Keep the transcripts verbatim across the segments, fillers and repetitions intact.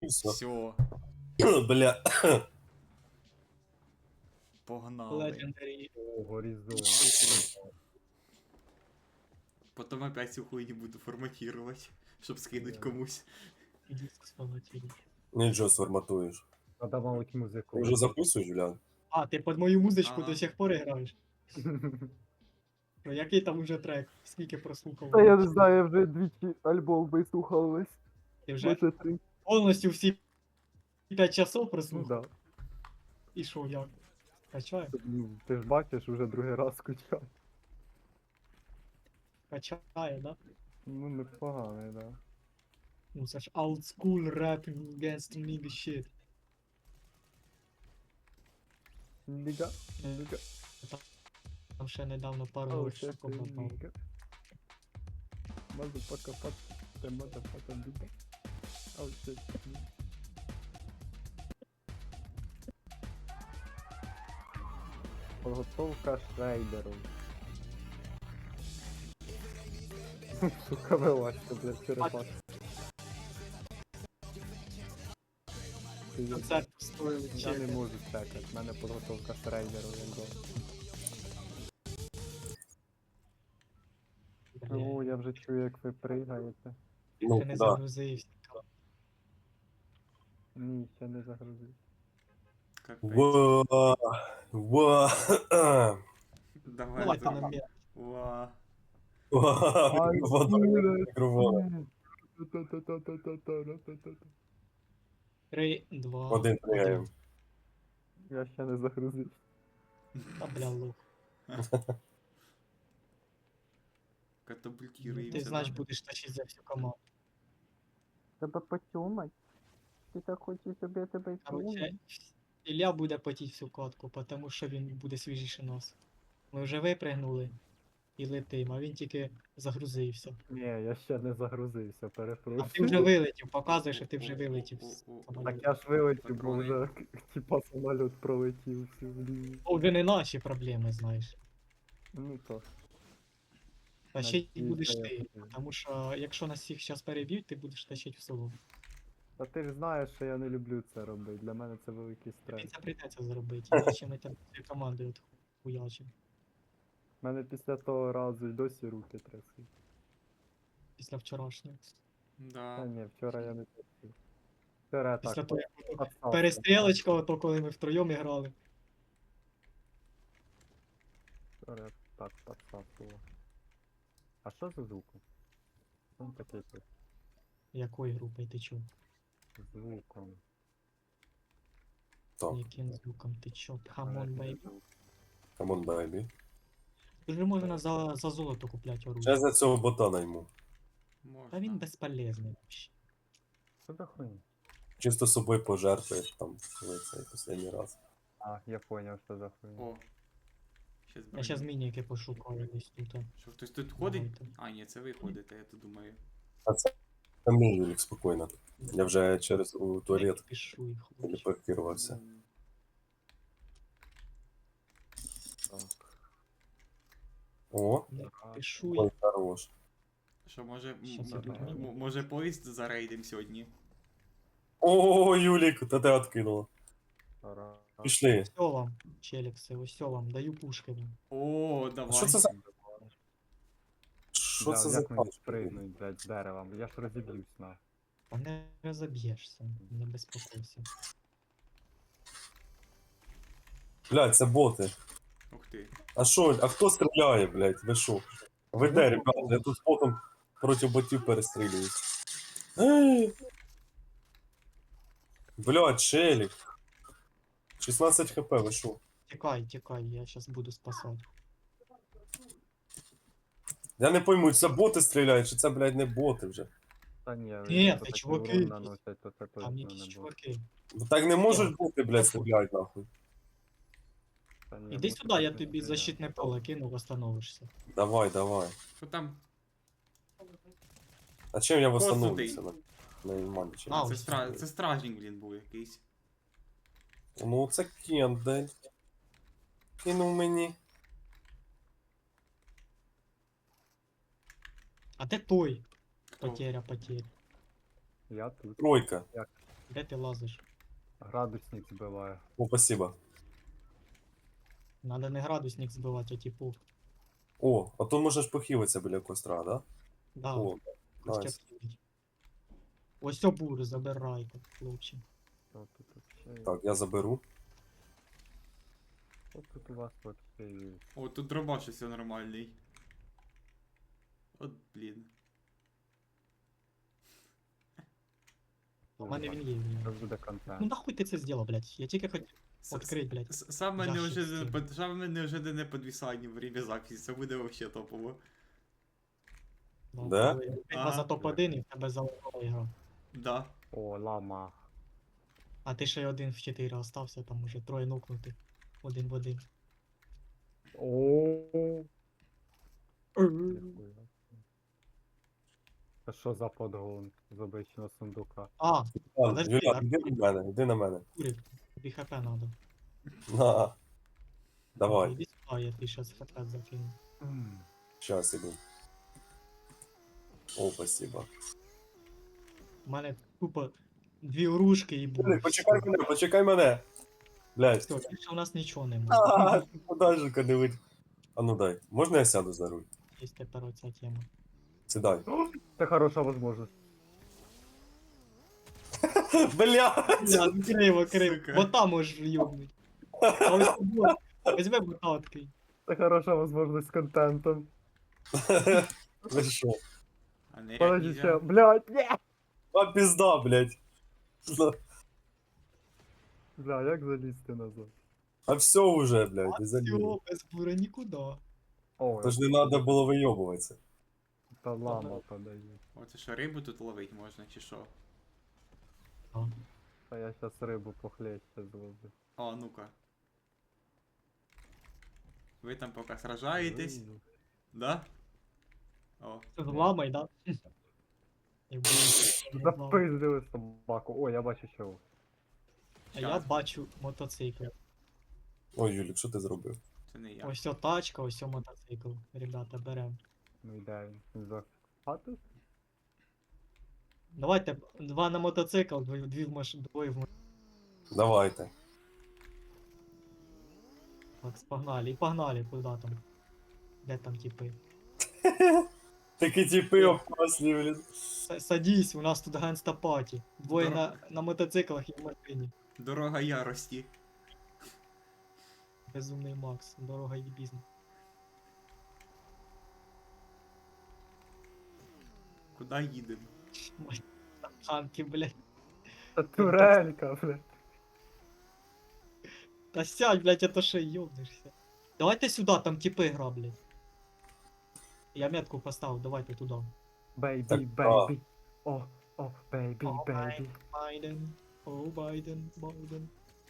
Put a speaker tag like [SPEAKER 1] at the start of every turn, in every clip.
[SPEAKER 1] Все.
[SPEAKER 2] Все,
[SPEAKER 1] Бля.
[SPEAKER 2] погнали.
[SPEAKER 3] Legendary.
[SPEAKER 4] О, горизонт.
[SPEAKER 2] Потом опять всю хуйню буду форматировать, щоб скинуть
[SPEAKER 4] Да.
[SPEAKER 2] комусь.
[SPEAKER 3] Диск сформатируй.
[SPEAKER 1] Нічого сформатуєш.
[SPEAKER 4] Надо мабуть музику.
[SPEAKER 1] Ти вже записуєш, Юлян?
[SPEAKER 3] А, ти під мою музичку
[SPEAKER 2] Ага.
[SPEAKER 3] до сих пор граєш? Ну який там уже трек? Скільки прослухав?
[SPEAKER 4] Та я не знаю, я вже двічі альбом вислухав весь.
[SPEAKER 3] Ти вже
[SPEAKER 4] Може три.
[SPEAKER 3] повністю всі п'ять часов
[SPEAKER 4] Ну
[SPEAKER 3] прослухав?
[SPEAKER 4] да.
[SPEAKER 3] І що, як? Качає?
[SPEAKER 4] Ну, ти ж бачиш, уже другий раз скучав.
[SPEAKER 3] Качає, да?
[SPEAKER 4] Ну, непоганий, да.
[SPEAKER 3] Ну це ж old school rap against nigga shit.
[SPEAKER 4] Ніга, ніга.
[SPEAKER 3] Там ще недавно пару
[SPEAKER 4] Ау,
[SPEAKER 3] років
[SPEAKER 4] це ти
[SPEAKER 3] попав.
[SPEAKER 4] ніга. Мазапака пак, те мазапака ніга. Ау, це ти ніга. Подготовка шрайдеру. Сука, вилазьте, блядь, черепах.
[SPEAKER 3] Концерт стоїли
[SPEAKER 4] Я не
[SPEAKER 3] чек.
[SPEAKER 4] можу чекати, в мене підготовка шрайдеру якби. О, я вже чую, як ви пригаєте.
[SPEAKER 1] Ну,
[SPEAKER 3] Ти не
[SPEAKER 1] да.
[SPEAKER 3] загрузився.
[SPEAKER 4] Ні, ще не загрузив.
[SPEAKER 2] Капець.
[SPEAKER 1] Ва. Ва.
[SPEAKER 2] Давай.
[SPEAKER 3] Давайте
[SPEAKER 2] за-
[SPEAKER 3] на м'я.
[SPEAKER 2] Ва.
[SPEAKER 1] Ва. Водою мікроволновою.
[SPEAKER 3] Три, два,
[SPEAKER 1] Один пригаємо.
[SPEAKER 4] Я ще не загрузив.
[SPEAKER 3] Та бля лох.
[SPEAKER 2] Катапультируємося.
[SPEAKER 3] Ти значить
[SPEAKER 2] да?
[SPEAKER 3] будеш тащити за всю команду.
[SPEAKER 4] Тебе потюмать? Ти так хочеш, щоб я тебе
[SPEAKER 3] Короче, Ілля буде потіть всю катку, тому що він буде свіжіше нас. Ми вже випригнули і летим, а він тільки загрузився.
[SPEAKER 4] Ні, я ще не загрузився,
[SPEAKER 3] А ти
[SPEAKER 4] перепрошую.
[SPEAKER 3] вже вилетів, показує, що ти вже вилетів. з
[SPEAKER 2] О-о-о-о.
[SPEAKER 4] Так
[SPEAKER 3] самоліту.
[SPEAKER 4] я ж вилетів, бо
[SPEAKER 2] Патрони.
[SPEAKER 4] вже типа самоліт пролетів всю блін.
[SPEAKER 3] О, вже не наші проблеми, знаєш.
[SPEAKER 4] Ну то.
[SPEAKER 3] Тащить
[SPEAKER 4] Надіюсь,
[SPEAKER 3] будеш
[SPEAKER 4] я
[SPEAKER 3] ти,
[SPEAKER 4] буду.
[SPEAKER 3] тому що якщо нас всіх зараз переб'ють, ти будеш тащити в село.
[SPEAKER 4] Та ти ж знаєш, що я не люблю це робити. Для мене це великий
[SPEAKER 3] Тобі
[SPEAKER 4] стрес.
[SPEAKER 3] це прийдеться зробити, іначе ми тебе всією командою хуячимо.
[SPEAKER 4] У мене після того разу й досі руки трясли.
[SPEAKER 3] Після вчорашнього.
[SPEAKER 4] Та
[SPEAKER 2] Да.
[SPEAKER 4] ні, вчора я не трясив. Вчора я
[SPEAKER 3] Після
[SPEAKER 4] так.
[SPEAKER 3] того, як
[SPEAKER 4] підстався.
[SPEAKER 3] перестрілочка, ото коли ми втроєм грали.
[SPEAKER 4] Вчора я так підставив. А що за звуком? Що він такий тут?
[SPEAKER 3] Якої групи ти чув?
[SPEAKER 4] Звуком.
[SPEAKER 1] Так.
[SPEAKER 3] Яким звуком ти чо? Хамон бейбі.
[SPEAKER 1] Камон, бейбі.
[SPEAKER 3] Вже можна за, за золото купляти
[SPEAKER 1] Ще
[SPEAKER 3] оружие.
[SPEAKER 1] за цього ботана йому.
[SPEAKER 2] Можна.
[SPEAKER 3] Та він безполезний вообще.
[SPEAKER 4] Що за хуйня?
[SPEAKER 1] Чисто собою пожертвуєш там коли цей останній раз.
[SPEAKER 4] А, я понял, що за хуйня.
[SPEAKER 2] О. Щас
[SPEAKER 3] Я зараз
[SPEAKER 2] броню.
[SPEAKER 3] мініки пошукаю десь тут.
[SPEAKER 2] Що, хтось тут ходить?
[SPEAKER 3] Давайте.
[SPEAKER 2] А, ні, це ви ходите, я то думаю.
[SPEAKER 1] А це там мій Юлік, спокійно. Я вже через у туалет
[SPEAKER 3] Пішу їх. хлопці.
[SPEAKER 1] телепортувався.
[SPEAKER 2] М,
[SPEAKER 4] Так.
[SPEAKER 1] О,
[SPEAKER 3] Не
[SPEAKER 4] А,
[SPEAKER 3] Пішу
[SPEAKER 1] ой,
[SPEAKER 3] їх.
[SPEAKER 1] хорош.
[SPEAKER 2] Що, може, м-
[SPEAKER 3] Щас
[SPEAKER 4] я
[SPEAKER 2] м-
[SPEAKER 4] тут
[SPEAKER 2] м-
[SPEAKER 3] міні.
[SPEAKER 2] може поїзд зарейдим сьогодні?
[SPEAKER 1] О, Юлік, та тебе откинуло.
[SPEAKER 4] Ра-
[SPEAKER 1] Пішли.
[SPEAKER 3] Ось вам, челікси, ось вам, даю пушки вам.
[SPEAKER 2] О, давай.
[SPEAKER 1] Що це за... Що
[SPEAKER 4] Бля,
[SPEAKER 1] це за
[SPEAKER 4] як мені
[SPEAKER 1] пачка?
[SPEAKER 4] спригнуть, блядь, з дерева? Я ж розіб'юсь на.
[SPEAKER 3] Та не розоб'єшся, не безпокойся.
[SPEAKER 1] Блядь, це боти.
[SPEAKER 2] Ух ти.
[SPEAKER 1] А що, а хто стріляє, блядь? Ви що? Ви де, ребята? Я тут потом проти ботів перестрілююсь. Ей! Блядь, челік. шістнадцять хп, ви що?
[SPEAKER 3] Тікай, тікай, я зараз буду спасати.
[SPEAKER 1] Я не пойму, це боти стріляють, чи це, блядь, не боти вже.
[SPEAKER 4] Та ні,
[SPEAKER 3] Ні,
[SPEAKER 4] якщо
[SPEAKER 3] це
[SPEAKER 4] такий
[SPEAKER 3] чуваки
[SPEAKER 4] урон
[SPEAKER 3] якісь.
[SPEAKER 4] наносять, то це
[SPEAKER 3] Там
[SPEAKER 4] точно
[SPEAKER 3] якісь
[SPEAKER 4] не буде.
[SPEAKER 3] чуваки.
[SPEAKER 1] Ну так не можуть бути, блядь, стріляють нахуй.
[SPEAKER 4] Та ні,
[SPEAKER 3] Іди
[SPEAKER 4] ну,
[SPEAKER 3] сюди, я
[SPEAKER 4] так
[SPEAKER 3] тобі
[SPEAKER 4] не
[SPEAKER 3] защитне поле кину, восстановишся.
[SPEAKER 1] Давай, давай.
[SPEAKER 2] Що там?
[SPEAKER 1] А чим я
[SPEAKER 2] Просто
[SPEAKER 1] восстановлюся?
[SPEAKER 2] ти.
[SPEAKER 1] На, на нормально чим.
[SPEAKER 3] А,
[SPEAKER 2] Це,
[SPEAKER 3] ось
[SPEAKER 2] стра...
[SPEAKER 3] сюди.
[SPEAKER 2] це стражник, блін, був якийсь.
[SPEAKER 1] Ну це Кент, блядь. Кинув мені.
[SPEAKER 3] А де той?
[SPEAKER 2] Хто?
[SPEAKER 3] Потеря, потеря.
[SPEAKER 4] Я тут.
[SPEAKER 1] Тройка.
[SPEAKER 3] Де ти лазиш?
[SPEAKER 4] Градусник збиває.
[SPEAKER 1] О, спасибо.
[SPEAKER 3] Надо не градусник збивати, а типу.
[SPEAKER 1] О, а то можеш похилитися біля костра, да?
[SPEAKER 3] Да,
[SPEAKER 1] О,
[SPEAKER 3] костяк
[SPEAKER 1] найс.
[SPEAKER 3] кинуть. Ось обур забирайте, хлопці.
[SPEAKER 4] Що тут вообще?
[SPEAKER 1] Так, я заберу.
[SPEAKER 4] Що тут у вас вообще є?
[SPEAKER 2] О, тут дробаш все нормальний. От, блін.
[SPEAKER 3] У мене він є. він є.
[SPEAKER 4] Це буде
[SPEAKER 3] Ну
[SPEAKER 4] контент.
[SPEAKER 3] нахуй ти це зробив, блядь? Я тільки хотів
[SPEAKER 2] С-
[SPEAKER 3] відкрити, блядь.
[SPEAKER 2] с- Саме
[SPEAKER 3] Ящик
[SPEAKER 2] неожиданне,
[SPEAKER 3] з цим.
[SPEAKER 2] под- саме неожиданне підвісання в время записі. Це буде вообще топово.
[SPEAKER 3] Ну,
[SPEAKER 1] Да?
[SPEAKER 3] коли Битва
[SPEAKER 2] Ага.
[SPEAKER 3] за топ один і в тебе залагала ігра.
[SPEAKER 2] Да.
[SPEAKER 4] О, лама.
[SPEAKER 3] А ти ще й один в чотири остався, там уже троє нокнути. Один в один.
[SPEAKER 4] О. Ніхуя. Це що за подгон з обичного сундука?
[SPEAKER 3] А,
[SPEAKER 1] Ладно,
[SPEAKER 3] Подожди,
[SPEAKER 1] Юля,
[SPEAKER 3] а-
[SPEAKER 1] іди на мене, іди на мене.
[SPEAKER 3] курик, тобі хп надо.
[SPEAKER 1] На. Давай,
[SPEAKER 3] Іди сюди, я тобі щас хп закину.
[SPEAKER 4] М.
[SPEAKER 1] щас іду. О, спасибо.
[SPEAKER 3] У мене тупо дві оружки і буде.
[SPEAKER 1] Юля, почекай мене, почекай мене. Блядь.
[SPEAKER 3] Все, більше у нас нічого немає.
[SPEAKER 1] А, подальше не вийде. А ну дай, можна я сяду за руль?
[SPEAKER 3] Є тепер оця тема.
[SPEAKER 1] Сідай.
[SPEAKER 4] Це хороша можливість.
[SPEAKER 1] Блядь!
[SPEAKER 3] Бля, ну криво, криво.
[SPEAKER 2] Сука.
[SPEAKER 3] Бота можеш йобнуть. А ось бот. Візьми бота такий.
[SPEAKER 4] Це хороша можливість з контентом.
[SPEAKER 1] Ви що?
[SPEAKER 2] А не
[SPEAKER 4] Подожди, ще,
[SPEAKER 2] нельзя.
[SPEAKER 4] блядь, ні!
[SPEAKER 1] А пізда, блядь.
[SPEAKER 4] Бля, як залізти назад?
[SPEAKER 1] А все уже, блядь, не залізу.
[SPEAKER 3] Всього, без бура нікуди.
[SPEAKER 4] О,
[SPEAKER 1] Тож не треба було вийобуватися.
[SPEAKER 4] та лама подає.
[SPEAKER 2] О, це що, рибу тут ловить можна, чи що?
[SPEAKER 4] Та я щас рибу похлеще зроблю.
[SPEAKER 2] О, ну-ка. Ви там поки сражаєтесь,
[SPEAKER 4] Рибу.
[SPEAKER 2] да? О,
[SPEAKER 3] Це зламай, да? І буде зламай.
[SPEAKER 4] Запиздили собаку. О, я бачу чого.
[SPEAKER 3] А я бачу мотоцикл.
[SPEAKER 1] Ой, Юлік, що ти зробив?
[SPEAKER 2] це не я.
[SPEAKER 3] Ось о тачка, ось о мотоцикл. Ребята, берем.
[SPEAKER 4] Ну йде він. Він за хату?
[SPEAKER 3] Давайте два на мотоцикл, дві, дві в маш... двоє в машину.
[SPEAKER 1] Давайте.
[SPEAKER 3] Так, погнали. І погнали, куди там? Де там типи?
[SPEAKER 1] Такі тіпи опасні, блін.
[SPEAKER 3] С- Садись, у нас тут ганста паті. Двоє
[SPEAKER 2] Дор-
[SPEAKER 3] на, на мотоциклах і в машині.
[SPEAKER 2] Дорога ярості.
[SPEAKER 3] Безумний Макс, дорога і бізнес.
[SPEAKER 2] Куди їдемо?
[SPEAKER 3] Танки, блядь.
[SPEAKER 4] Та турелька, блядь.
[SPEAKER 3] Та сядь, блядь, а то ще йобнешся. Давайте сюди, там типи гра, блядь. Я метку поставив, давайте туди.
[SPEAKER 4] Бейбі,
[SPEAKER 1] Так,
[SPEAKER 4] бейбі. О, о, бейбі,
[SPEAKER 3] О,
[SPEAKER 4] бейбі.
[SPEAKER 3] Байден, о, Байден, Байден.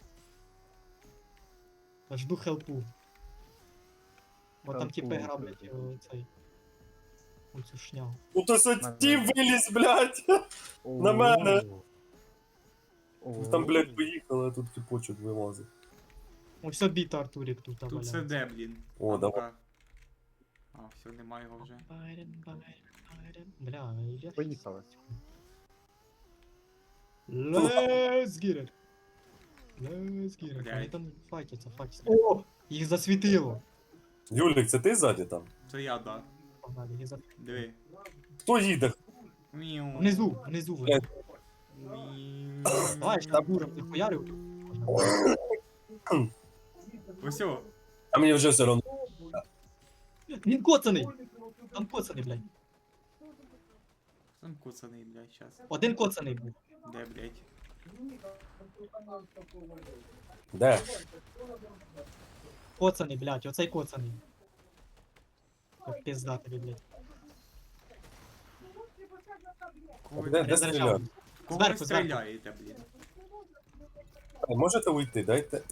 [SPEAKER 3] Та жду хелпу. Бо там
[SPEAKER 4] Хелпу,
[SPEAKER 3] типи граблять
[SPEAKER 4] хелпу.
[SPEAKER 3] о, цей. Оцю шнягу.
[SPEAKER 1] Ну то що ті виліз, блядь. На мене.
[SPEAKER 4] О.
[SPEAKER 1] Там, блядь, поїхали, а тут тіпочок вилазить.
[SPEAKER 3] О, все біто Артурік тут
[SPEAKER 2] Тут
[SPEAKER 3] валяється.
[SPEAKER 2] це де, блін?
[SPEAKER 1] О,
[SPEAKER 2] А
[SPEAKER 1] давай.
[SPEAKER 2] ну-ка. А, все, немає його вже.
[SPEAKER 3] Байден, Байден, Байден. Бля, я...
[SPEAKER 4] Поїхали.
[SPEAKER 3] Let's get it. Let's get it. Вони
[SPEAKER 2] Блядь.
[SPEAKER 3] там файтяться, файтяться. О! Їх засвітило.
[SPEAKER 1] Юлік, це ти ззаді там?
[SPEAKER 2] Це я, да.
[SPEAKER 3] Погнали, їх засвітило.
[SPEAKER 2] Диви.
[SPEAKER 1] Хто їде?
[SPEAKER 2] Міу.
[SPEAKER 3] Внизу, внизу вони.
[SPEAKER 1] Блядь.
[SPEAKER 2] Міу.
[SPEAKER 3] Давай, ще буром ти хуярив.
[SPEAKER 2] Ось о.
[SPEAKER 1] А мені вже все одно.
[SPEAKER 3] Він коцаний! Там коцаний, блядь.
[SPEAKER 2] Там куцаний, блядь, щас.
[SPEAKER 3] Один коцаний був.
[SPEAKER 2] Де, блядь?
[SPEAKER 1] Де?
[SPEAKER 3] Коцаний, блядь, оцей коцаний. Як пизда тобі, блядь.
[SPEAKER 2] Кого,
[SPEAKER 1] Де,
[SPEAKER 2] ви-
[SPEAKER 1] де
[SPEAKER 3] заряджав.
[SPEAKER 1] стріляти?
[SPEAKER 2] кого
[SPEAKER 3] Зверху,
[SPEAKER 2] ви
[SPEAKER 3] зверху.
[SPEAKER 2] стріляєте, блін?
[SPEAKER 1] Ай, можете уйти, дайте.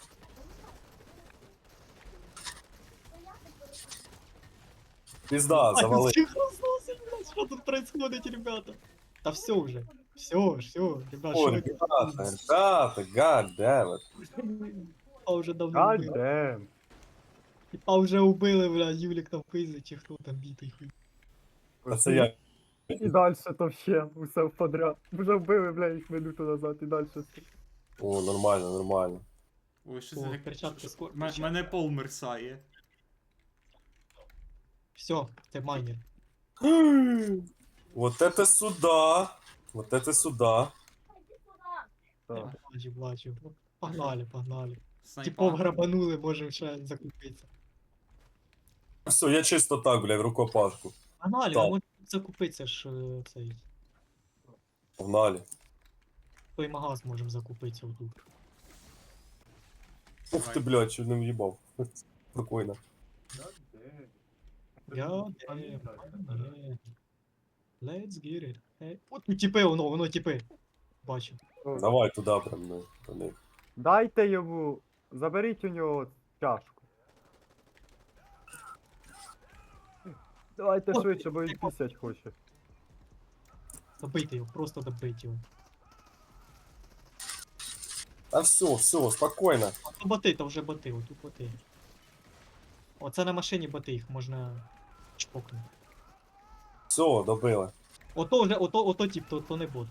[SPEAKER 1] Пізда, завали.
[SPEAKER 3] Всіх розносить, блядь, що тут происходит, ребята? Та все уже. Все, все, ребят,
[SPEAKER 1] О,
[SPEAKER 3] що ви
[SPEAKER 1] ребята, ребята, god damn it.
[SPEAKER 3] Типа вже давно
[SPEAKER 4] God
[SPEAKER 3] вбили.
[SPEAKER 4] damn.
[SPEAKER 3] Типа вже убили, блядь, Юлік там пиздить, чи хто там бітий хуй.
[SPEAKER 1] А це я
[SPEAKER 4] І далі то ще усе подряд. Вже вбили, бля, їх минуту назад і далі.
[SPEAKER 1] О, нормально, нормально.
[SPEAKER 2] Ой, що
[SPEAKER 3] О,
[SPEAKER 2] це таке?
[SPEAKER 3] перчатки
[SPEAKER 2] Що-
[SPEAKER 3] скоро.
[SPEAKER 2] М- Мене пол мерсає.
[SPEAKER 3] Все, це майнер.
[SPEAKER 1] Вот это сюда. Вот это сюда.
[SPEAKER 4] Так.
[SPEAKER 3] Бачу, бачу. Погнали, погнали. Типов
[SPEAKER 2] Снайпа.
[SPEAKER 3] грабанули, можемо ще закупитися.
[SPEAKER 1] Все, я чисто так, бля, в рукопашку.
[SPEAKER 3] Погнали,
[SPEAKER 1] Так.
[SPEAKER 3] ми можемо закупитися ж е, цей.
[SPEAKER 1] Погнали.
[SPEAKER 3] Той магаз можемо закупитися отут.
[SPEAKER 1] Ух ти, блядь, чуть не в'їбав. Спокійно.
[SPEAKER 3] Я damn, yeah. Let's get it. Hey. От тут тіпи, воно, воно тіпи. Бачу.
[SPEAKER 1] Давай туди прям, ну, до них.
[SPEAKER 4] Дайте йому, заберіть у нього чашку. Давайте
[SPEAKER 3] О,
[SPEAKER 4] швидше, бо він пісять хоче.
[SPEAKER 3] Добийте його, просто добийте його.
[SPEAKER 1] А все, все, спокійно.
[SPEAKER 3] А то боти, то вже боти, отут боти. Оце на машині боти, їх можна чпокнути.
[SPEAKER 1] Все, добили.
[SPEAKER 3] Ото вже, ото, ото тип, то, то не бот.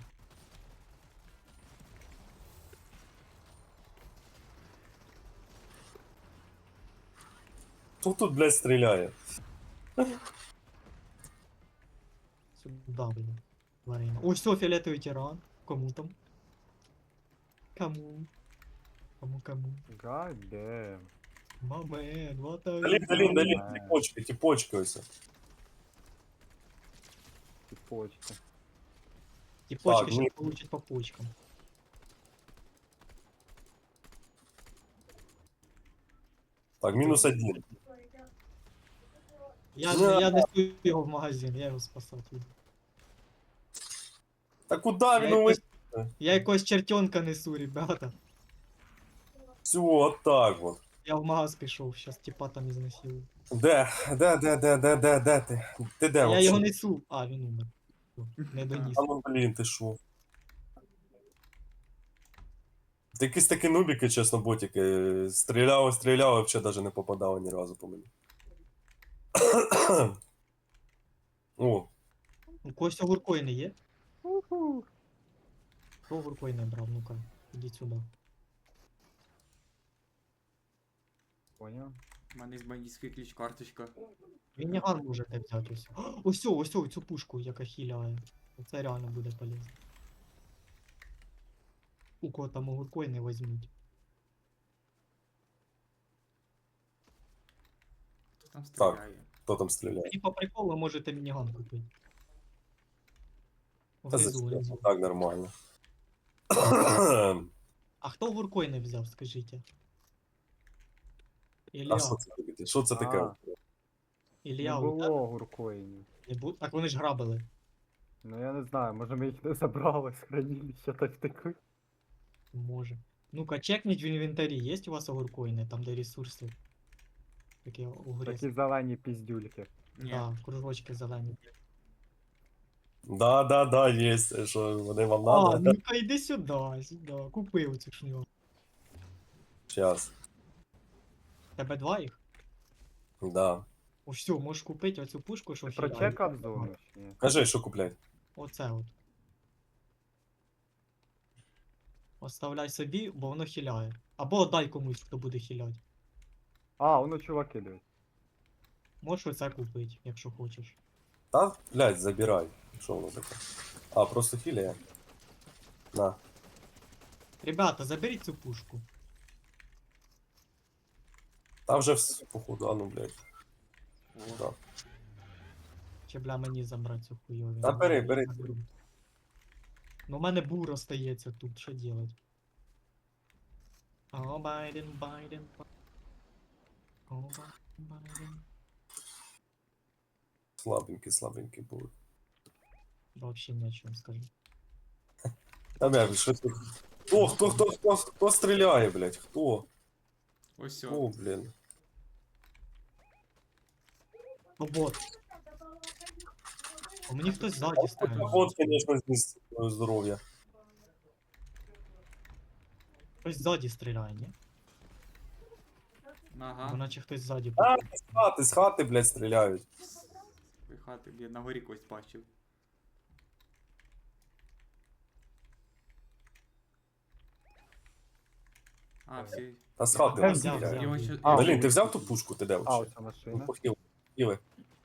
[SPEAKER 1] Хто тут, блядь, стріляє?
[SPEAKER 3] Сюда, блін. Варена. Ось все, фіолетовий тиран. Кому там? Кому? Кому, кому?
[SPEAKER 4] God damn.
[SPEAKER 3] Мамен, what are
[SPEAKER 1] Далі,
[SPEAKER 3] you
[SPEAKER 1] далі,
[SPEAKER 3] doing?
[SPEAKER 1] далі, тіпочки, тіпочки ось.
[SPEAKER 4] Ці почки.
[SPEAKER 3] Ті почки
[SPEAKER 1] Так,
[SPEAKER 3] ще
[SPEAKER 1] ні.
[SPEAKER 3] получать по почкам.
[SPEAKER 1] Так, мінус один.
[SPEAKER 3] Я,
[SPEAKER 1] Да.
[SPEAKER 3] я несу його в магазин, я його спасати буду.
[SPEAKER 1] Та куди
[SPEAKER 3] Я
[SPEAKER 1] він
[SPEAKER 3] якось,
[SPEAKER 1] увесь?
[SPEAKER 3] я якогось чертенка несу, ребята.
[SPEAKER 1] Все, отак от.
[SPEAKER 3] Я в магаз пішов, щас тіпа там ізнасилую.
[SPEAKER 1] Де? Де, де, де, де, де, де ти? Ти де
[SPEAKER 3] Я
[SPEAKER 1] вообще?
[SPEAKER 3] його несу. А, він умер. Не доніс.
[SPEAKER 1] А ну, блін, ти шо? Ти якісь такі нубіки, чесно, ботики. Стріляв, стріляв, а взагалі навіть не попадав ні разу по мені. О,
[SPEAKER 3] У когось огуркої не є?
[SPEAKER 4] Уху.
[SPEAKER 3] Хто огуркої не брав? Ну-ка, ідіть сюди.
[SPEAKER 4] Поняв?
[SPEAKER 2] У мене з бандитської ключ карточка.
[SPEAKER 3] Мініган можете взяти ось. О, Ось, о, ось, о, цю пушку, яка хіляє. Це реально буде полезно. У кого там огуркої не візьмуть.
[SPEAKER 2] Хто там стріляє?
[SPEAKER 1] хто там стріляє?
[SPEAKER 3] І по приколу можете мініган купити.
[SPEAKER 1] Та
[SPEAKER 3] Внизу,
[SPEAKER 1] зачем?
[SPEAKER 3] внизу.
[SPEAKER 1] Так, нормально.
[SPEAKER 3] А хто огуркої не взяв, скажіть?
[SPEAKER 1] А
[SPEAKER 3] Ілля,
[SPEAKER 1] що це таке? Що це таке?
[SPEAKER 4] А.
[SPEAKER 3] Ілля,
[SPEAKER 4] Не
[SPEAKER 3] у тебе
[SPEAKER 4] було гуркоїнів.
[SPEAKER 3] не бу- Так вони ж грабили.
[SPEAKER 4] Ну я не знаю, може ми їх не забрали з хранилища, так втекли.
[SPEAKER 3] Може. Ну-ка, чекніть в інвентарі, є у вас огуркоїни, там де ресурси. Такі огурець.
[SPEAKER 4] Такі зелені піздюльки.
[SPEAKER 2] Ні.
[SPEAKER 3] Да, кружочки зелені.
[SPEAKER 1] Да, да, да, є. Що вони вам
[SPEAKER 3] А,
[SPEAKER 1] надо?
[SPEAKER 3] ну-ка йди сюди, сюди. Купи оцю шню.
[SPEAKER 1] Щас.
[SPEAKER 3] Тебе два їх?
[SPEAKER 1] Да.
[SPEAKER 3] О, все, можеш купити оцю пушку, що
[SPEAKER 4] Ти
[SPEAKER 3] хіляє.
[SPEAKER 4] прочекав зону чи ні?
[SPEAKER 1] Кажи, що купляти?
[SPEAKER 3] Оце от. Оставляй собі, бо воно хіляє. Або дай комусь, хто буде хіляти.
[SPEAKER 4] А, воно чуваки дають.
[SPEAKER 3] Можеш оце купити, якщо хочеш.
[SPEAKER 1] Та, блядь, забирай. Що воно таке? А, просто хіляє. На.
[SPEAKER 3] Ребята, заберіть цю пушку.
[SPEAKER 1] Та вже вс- походу, а ну, блядь.
[SPEAKER 2] О,
[SPEAKER 1] Да.
[SPEAKER 3] Чи бля мені забрати цю хуйові?
[SPEAKER 1] Та бери,
[SPEAKER 3] Я
[SPEAKER 1] бери.
[SPEAKER 3] заберу. Ну в мене бур остається тут, що делать? О, Байден, Байден. О, Байден, Байден.
[SPEAKER 1] Слабенький, слабенький був.
[SPEAKER 3] Вообще ни о чем скажу.
[SPEAKER 1] Та, блядь, що тут? Хто, хто, хто, хто, хто стріляє, блядь? Хто?
[SPEAKER 2] ось
[SPEAKER 1] О,
[SPEAKER 2] о.
[SPEAKER 1] блін.
[SPEAKER 3] Ну бот. У мені хтось ззаді стріляє.
[SPEAKER 1] От, звісно, зніс твоє здоров'я.
[SPEAKER 3] Хтось ззаді стріляє, ні? Бо
[SPEAKER 2] Ага.
[SPEAKER 3] наче хтось ззаді.
[SPEAKER 1] А, з хати, з хати, блядь, стріляють.
[SPEAKER 2] Ви хати, я на горі когось бачив. А, всі.
[SPEAKER 1] Та з хати
[SPEAKER 3] Я
[SPEAKER 1] нас
[SPEAKER 3] взяв,
[SPEAKER 1] стріляє.
[SPEAKER 3] взяв.
[SPEAKER 2] Його ще-
[SPEAKER 4] А,
[SPEAKER 2] його-
[SPEAKER 1] Блін, ти взяв ту пушку, ти де
[SPEAKER 4] А,
[SPEAKER 1] вообще?
[SPEAKER 4] оця
[SPEAKER 1] Ну,
[SPEAKER 4] машина.
[SPEAKER 1] похил. Хіли.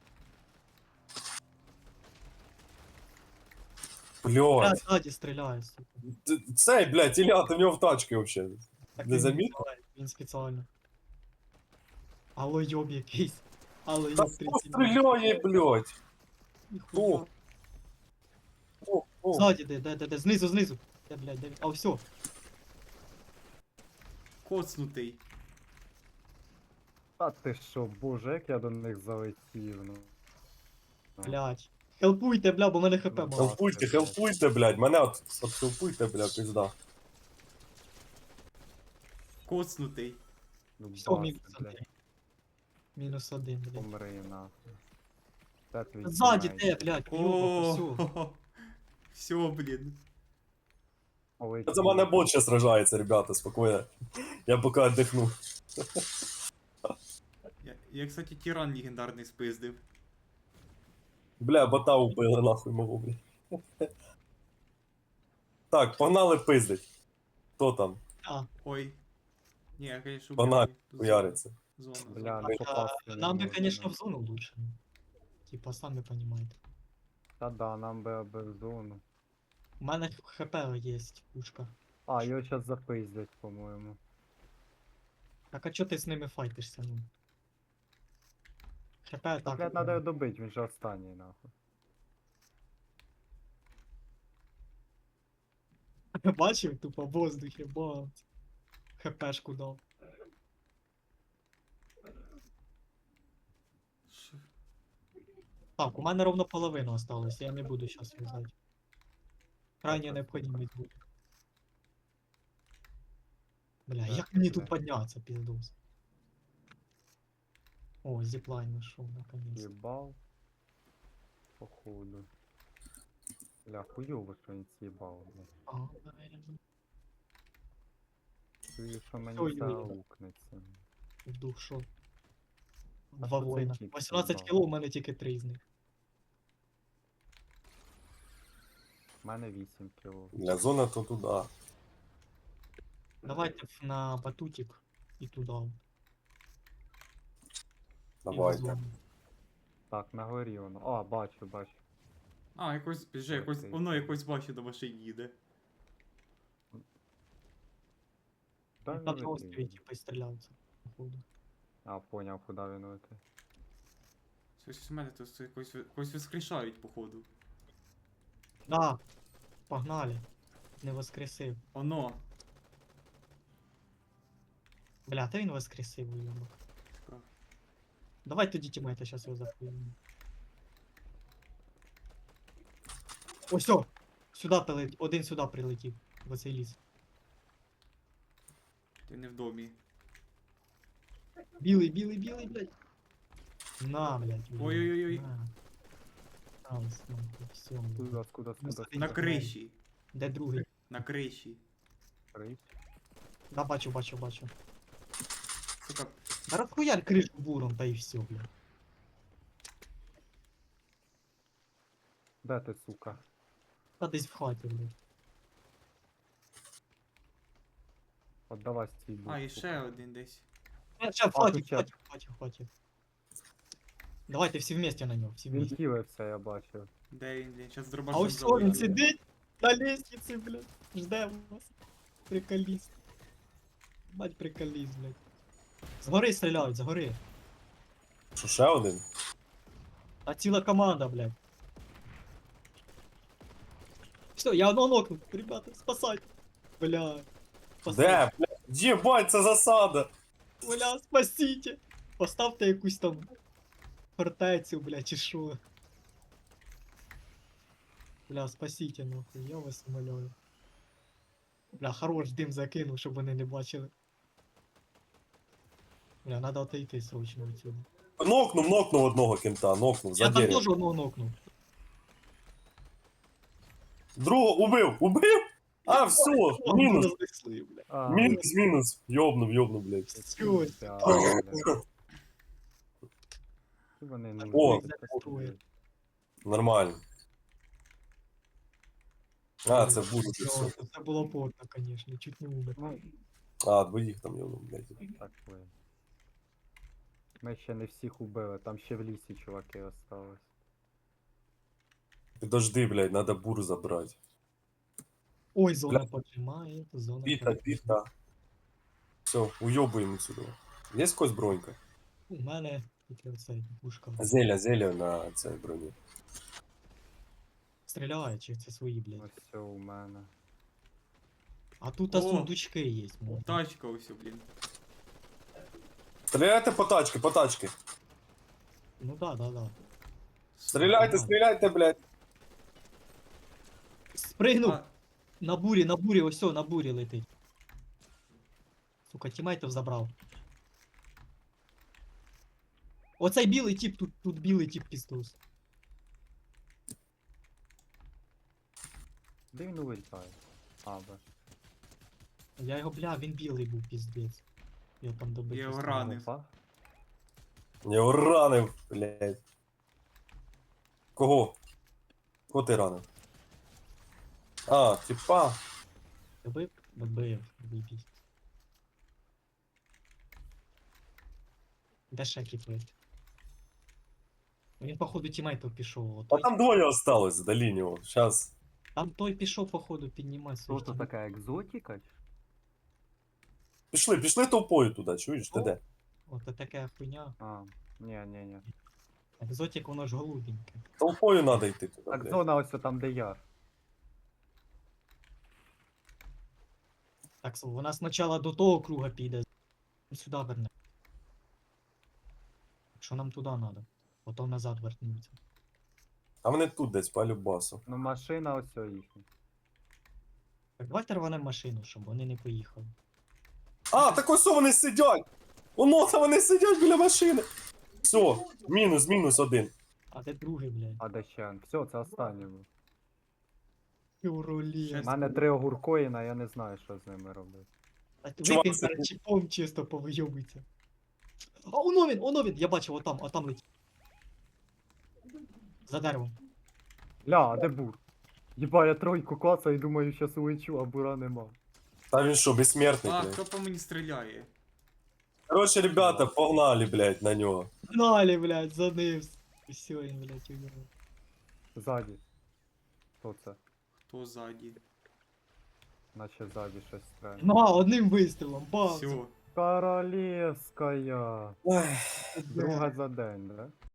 [SPEAKER 3] Я
[SPEAKER 1] Блядь.
[SPEAKER 3] ззаді стріляю, сука.
[SPEAKER 1] Т- Цей, блядь, Ілля, ти в нього в тачці вообще.
[SPEAKER 3] Так
[SPEAKER 1] Не
[SPEAKER 3] він
[SPEAKER 1] замітив?
[SPEAKER 3] спеціально, Він спеціально. Алло, йоб якийсь. Алло,
[SPEAKER 1] Та
[SPEAKER 3] йоб
[SPEAKER 1] хто
[SPEAKER 3] тридцять.
[SPEAKER 1] стріляє, блядь?
[SPEAKER 3] Ніхуя.
[SPEAKER 1] Хто? О, о.
[SPEAKER 3] Ззаді, де, де, де, де, знизу, знизу. Де, блядь, де він? А, все.
[SPEAKER 2] Коцнутий.
[SPEAKER 4] А ти що, боже, як я до них залетів, ну.
[SPEAKER 3] Блядь. Хелпуйте, бля, бо в мене хп
[SPEAKER 4] Ну,
[SPEAKER 3] мало.
[SPEAKER 1] Хелпуйте, хелпуйте, блядь, мене от, от хелпуйте, блядь, пизда.
[SPEAKER 2] Коцнутий.
[SPEAKER 4] Ну,
[SPEAKER 3] Все,
[SPEAKER 4] бачу,
[SPEAKER 3] мінус
[SPEAKER 4] блядь,
[SPEAKER 3] один. Мінус один, блядь.
[SPEAKER 4] помри нахуй. Це твій
[SPEAKER 3] Ззаді
[SPEAKER 4] тімейт.
[SPEAKER 3] те, блядь, йоба, все.
[SPEAKER 2] О, все, блін.
[SPEAKER 4] Ой,
[SPEAKER 1] За мене бот ще сражається, ребята, спокійно. Я поки віддихну.
[SPEAKER 2] Я, я, кстати, тиран легендарний спиздив.
[SPEAKER 1] Бля, бота убили нахуй мого, бля. Так, погнали пиздить. Хто там?
[SPEAKER 3] А,
[SPEAKER 2] Ой. Ні, я, конечно,
[SPEAKER 1] Вона
[SPEAKER 2] убив. Тут
[SPEAKER 1] хуяриться.
[SPEAKER 2] Зона.
[SPEAKER 4] Бля,
[SPEAKER 2] зона.
[SPEAKER 4] ну
[SPEAKER 3] а,
[SPEAKER 4] попасти не
[SPEAKER 3] нам бы,
[SPEAKER 4] можна.
[SPEAKER 3] конечно, в зону лучше. Типа, самі понимаете.
[SPEAKER 4] Та да, нам би аби в зону.
[SPEAKER 3] У мене хп є, пушка.
[SPEAKER 4] А, його зараз запиздять, по-моєму.
[SPEAKER 3] Так а чо ти з ними файтишся, ну? ХП
[SPEAKER 4] Так,
[SPEAKER 3] так.
[SPEAKER 4] блядь, надо його добити, він же останній, нахуй.
[SPEAKER 3] Бачив, тупо в воздухі, бац. ХПшку дав.
[SPEAKER 2] Ш-
[SPEAKER 3] Так, у мене ровно половина осталась, я не буду зараз в'язати. Крайня необхідність буде. Бля,
[SPEAKER 4] Так,
[SPEAKER 3] як мені
[SPEAKER 4] бля.
[SPEAKER 3] тут піднятися, піздос? О, зіплайн знайшов, наконец.
[SPEAKER 4] Їбав. Походу. Бля, хуйово, що він з'їбав, блядь.
[SPEAKER 3] А, наверное,
[SPEAKER 4] Чую, що мені
[SPEAKER 3] Ой,
[SPEAKER 4] це
[SPEAKER 3] ой.
[SPEAKER 4] аукнеться.
[SPEAKER 3] в дух шо.
[SPEAKER 4] А
[SPEAKER 3] Два
[SPEAKER 4] що цей
[SPEAKER 3] воїна.
[SPEAKER 4] тіп
[SPEAKER 3] вісімнадцять
[SPEAKER 4] з'їбав?
[SPEAKER 3] кіло, у мене тільки три з них.
[SPEAKER 4] У мене вісім кіло.
[SPEAKER 1] Для зона то туди.
[SPEAKER 3] Давайте в- на батутик і туди. І в
[SPEAKER 1] Давайте.
[SPEAKER 3] зону.
[SPEAKER 4] Так, на горі воно. А, бачу, бачу.
[SPEAKER 2] А, якось, вже якось,
[SPEAKER 4] Окей.
[SPEAKER 2] воно якось бачу до машині їде.
[SPEAKER 4] Дай
[SPEAKER 3] Там на
[SPEAKER 4] він
[SPEAKER 3] острові
[SPEAKER 4] летить.
[SPEAKER 3] типа стріляються. походу.
[SPEAKER 4] А, поняв, куди він летить.
[SPEAKER 2] Щось у мене тут якось, якось воскрешають, походу.
[SPEAKER 3] Да, погнали. Не воскресив.
[SPEAKER 2] Оно.
[SPEAKER 3] Бля, та він воскресив, уйобок.
[SPEAKER 2] Так.
[SPEAKER 3] Давай тоді тімейта, зараз його захуємо. Ось о! Сюди прилетів, один сюди прилетів, в оцей ліс.
[SPEAKER 2] Ти не в домі.
[SPEAKER 3] Білий, білий, білий, блядь. На, блядь. блядь,
[SPEAKER 2] Ой-ой-ой.
[SPEAKER 3] на. Там, нахуй, все.
[SPEAKER 4] Куда, куда,
[SPEAKER 3] Ну,
[SPEAKER 4] куда,
[SPEAKER 3] Ти
[SPEAKER 2] На
[SPEAKER 3] не
[SPEAKER 2] криші.
[SPEAKER 3] Де другий?
[SPEAKER 2] На криші.
[SPEAKER 4] крить.
[SPEAKER 3] Да, бачу, бачу, бачу.
[SPEAKER 2] Сука,
[SPEAKER 3] Да розхуярь кришу буром, та і все, блядь.
[SPEAKER 4] Де ти, сука?
[SPEAKER 3] Та десь в хаті, блядь.
[SPEAKER 4] От давай стій.
[SPEAKER 2] а, і ще один десь.
[SPEAKER 3] А, ща, в
[SPEAKER 4] А,
[SPEAKER 3] хаті,
[SPEAKER 4] тут
[SPEAKER 3] в
[SPEAKER 4] чат.
[SPEAKER 3] хаті, в хаті, в хаті. Давайте всі вместе на нього, всі
[SPEAKER 4] Він
[SPEAKER 3] вместе.
[SPEAKER 4] хілився, я бачив.
[SPEAKER 2] Де він, блін? Щас
[SPEAKER 3] А
[SPEAKER 2] дробашем
[SPEAKER 3] ось все, він
[SPEAKER 2] залетить.
[SPEAKER 3] сидить на лестниці, блядь. Жде вас. Приколіст. Бать приколіст, блядь. Згори стріляють, згори.
[SPEAKER 1] Що ще один?
[SPEAKER 3] А ціла команда, блядь. Все, я одного нокнув. Ребята, спасайте. Бля.
[SPEAKER 1] Де, блядь? Єбать, це засада!
[SPEAKER 3] Бля, спасите. Поставте якусь там фортецю, бля, чи шо. Бля, спасите, нахуй, я вас умоляю. Бля, хорош дим закинув, щоб вони не бачили. Бля, надо отойти срочно отсюда.
[SPEAKER 1] Нокнув, нокнув одного кента, нокнув, за
[SPEAKER 3] Я там
[SPEAKER 1] дерев.
[SPEAKER 3] теж одного нокнув.
[SPEAKER 1] Другого убив, убив? А, все,
[SPEAKER 3] О,
[SPEAKER 1] мінус,
[SPEAKER 3] рознесли, бля.
[SPEAKER 4] А,
[SPEAKER 1] мінус, мінус. Йобнув, йобнув, блядь.
[SPEAKER 3] Всё,
[SPEAKER 4] ця,
[SPEAKER 1] О.
[SPEAKER 4] бля. Чи вони не
[SPEAKER 1] О.
[SPEAKER 4] можуть так
[SPEAKER 3] Зареєструє.
[SPEAKER 4] робити?
[SPEAKER 1] Нормально. А, це буде
[SPEAKER 3] Всё,
[SPEAKER 1] все.
[SPEAKER 3] Це було потно, конечно, чуть не умер.
[SPEAKER 4] Ну,
[SPEAKER 1] А, двоїх там йому, блядь.
[SPEAKER 4] Так ви. Ми ще не всіх убили, там ще в лісі чуваки остались.
[SPEAKER 1] Підожди, блядь, надо бур забрати.
[SPEAKER 3] Ой, зона
[SPEAKER 1] Бля.
[SPEAKER 3] поджимає, зона
[SPEAKER 1] Біта,
[SPEAKER 3] поджимає.
[SPEAKER 1] біта. Все, уйобуємо сюди. Є якась бронька?
[SPEAKER 3] У мене тільки оцей пушка.
[SPEAKER 1] Зеля, зеля на цій броні.
[SPEAKER 3] Стріляє, чи це свої, блядь.
[SPEAKER 4] Ось все у мене.
[SPEAKER 3] А тут
[SPEAKER 2] О!
[SPEAKER 3] а сундучки є. можна.
[SPEAKER 2] Тачка ось, блін.
[SPEAKER 1] Стріляйте по тачки, по тачки.
[SPEAKER 3] Ну да, да, да.
[SPEAKER 1] Стріляйте, стріляйте, блядь.
[SPEAKER 3] Спригнув!
[SPEAKER 2] А,
[SPEAKER 3] На бурі, на бурі, ось о, на бурі летить. Сука, тімейтов забрав. Оцей білий тип, тут, тут білий тип піздус.
[SPEAKER 4] Де він улітає? А, бач.
[SPEAKER 3] Я його, бля, він білий був, піздець. Його там добити.
[SPEAKER 2] Я його
[SPEAKER 3] оставив.
[SPEAKER 2] ранив.
[SPEAKER 4] Опа.
[SPEAKER 1] Я його ранив, блядь. Кого? Кого ти ранив? А, типа.
[SPEAKER 3] Добив? Добив, вибій. Де ще кіпить? Він, походу, тімейтов пішов.
[SPEAKER 1] А
[SPEAKER 3] Той,
[SPEAKER 1] там двоє осталось до нього. Щас.
[SPEAKER 3] там той пішов, походу, піднімати
[SPEAKER 4] Що
[SPEAKER 3] своїх
[SPEAKER 4] то
[SPEAKER 3] тімейтів.
[SPEAKER 4] така екзотика?
[SPEAKER 1] Пішли, пішли толпою туди, чуєш, ти
[SPEAKER 3] О.
[SPEAKER 1] де?
[SPEAKER 3] От така хуйня.
[SPEAKER 4] А, ні, ні, ні.
[SPEAKER 3] Екзотик, воно ж голубеньке.
[SPEAKER 1] Толпою треба йти туди,
[SPEAKER 4] Так,
[SPEAKER 1] блядь.
[SPEAKER 4] зона ось там, де я.
[SPEAKER 3] Так, so, вона спочатку до того круга піде, сюди верне. Що нам туди треба? Потім назад вернуться.
[SPEAKER 1] А вони тут десь по любасу.
[SPEAKER 4] Ну машина ось о їхня.
[SPEAKER 3] Так, давайте рванемо машину, щоб вони не поїхали.
[SPEAKER 1] А, так ось вони сидять! Воно там вони сидять біля машини. Все, мінус, мінус один.
[SPEAKER 3] А де другий, блядь?
[SPEAKER 4] А де ще? Все, це останнє було.
[SPEAKER 3] Юролі.
[SPEAKER 4] У мене три огуркоїна, я не знаю, що з ними робити.
[SPEAKER 1] Чувак,
[SPEAKER 3] Випій
[SPEAKER 1] це-
[SPEAKER 3] перед чіпом чисто повийобується. А оно він, оно він! Я бачив, отам, отам летить. За деревом.
[SPEAKER 4] Ля, а де бур? Єба, я тройку клацаю і думаю, щас улечу, а бура нема.
[SPEAKER 1] Та він що, безсмертний,
[SPEAKER 2] а,
[SPEAKER 1] блядь.
[SPEAKER 2] хто по мені стріляє?
[SPEAKER 1] Короче, ребята, погнали, блядь, на нього.
[SPEAKER 3] Гнали, блядь, за ним. Все, він, блядь, умер.
[SPEAKER 4] Ззаді. Хто це?
[SPEAKER 2] Хто ззаді?
[SPEAKER 4] Наче ззаді щось стрельне.
[SPEAKER 3] На, одним вистрілом, бам!
[SPEAKER 2] Все.
[SPEAKER 4] Королевская.
[SPEAKER 1] Ой.
[SPEAKER 4] Друга за день, да?